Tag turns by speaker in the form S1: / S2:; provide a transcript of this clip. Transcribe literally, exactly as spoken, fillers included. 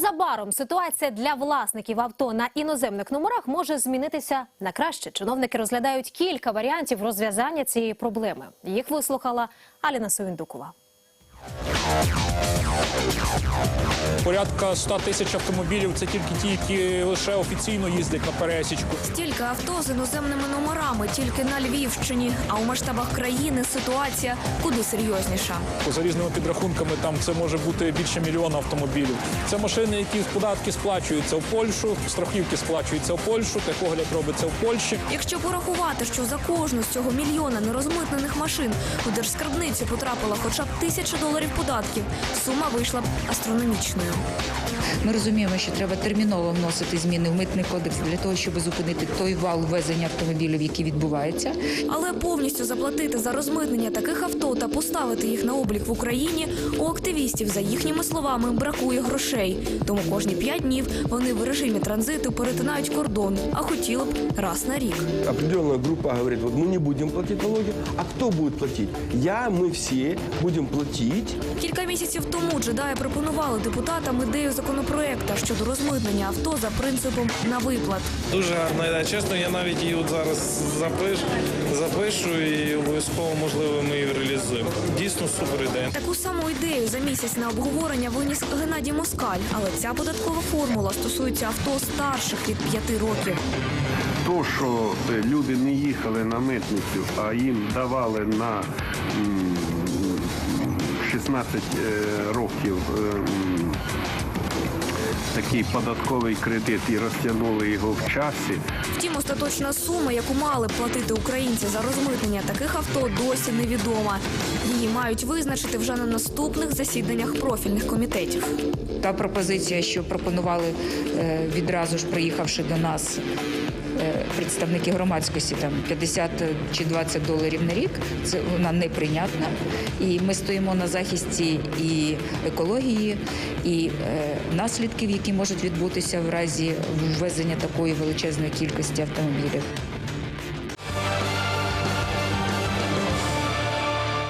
S1: Незабаром ситуація для власників авто на іноземних номерах може змінитися на краще. Чиновники розглядають кілька варіантів розв'язання цієї проблеми. Їх вислухала Аліна Совіндукова.
S2: Порядка ста тисяч автомобілів – це тільки ті, які лише офіційно їздять на пересічку.
S3: Стільки авто з іноземними номерами тільки на Львівщині. А у масштабах країни ситуація куди серйозніша.
S2: За різними підрахунками там це може бути більше мільйона автомобілів. Це машини, які податки сплачуються в Польщу, страхівки сплачуються в Польщу, техогляд робиться в Польщі.
S3: Якщо порахувати, що за кожну з цього мільйона нерозмитнених машин у держскарбницю потрапила хоча б тисяча доларів податків, сума вийшла б астрономічною.
S4: Ми розуміємо, що треба терміново вносити зміни в Митний кодекс для того, щоб зупинити той вал ввезення автомобілів, який відбувається.
S3: Але повністю заплатити за розмитнення таких авто та поставити їх на облік в Україні у активістів, за їхніми словами, бракує грошей. Тому кожні п'ять днів вони в режимі транзиту перетинають кордон, а хотіли б раз на рік.
S5: Определенная группа говорит, вот мы не будем платить налоги, а кто будет платить? Я, мы все будем платить.
S3: Кілька місяців тому джедаї пропонували депутатам ідею законопроекту щодо розмитнення авто за принципом на виплат.
S6: Дуже гарна ідея. Чесно, я навіть її от зараз запиш, запишу і обов'язково, можливо, ми її реалізуємо. Дійсно супер ідея.
S3: Таку саму ідею за місяць на обговорення виніс Геннадій Москаль. Але ця податкова формула стосується авто старших від п'яти років.
S7: То, що люди не їхали на митницю, а їм давали на м, шістнадцять років м, такий податковий кредит і розтягнули його в часі.
S3: Втім, остаточна сума, яку мали платити українці за розмитнення таких авто, досі невідома. Її мають визначити вже на наступних засіданнях профільних комітетів.
S4: Та пропозиція, що пропонували е, відразу ж приїхавши до нас е, представники громадськості, там п'ятдесят чи двадцять доларів на рік, це вона неприйнятна. І ми стоїмо на захисті і екології, і е, наслідків, які можуть відбутися в разі ввезення такої величезної кількості автомобілів.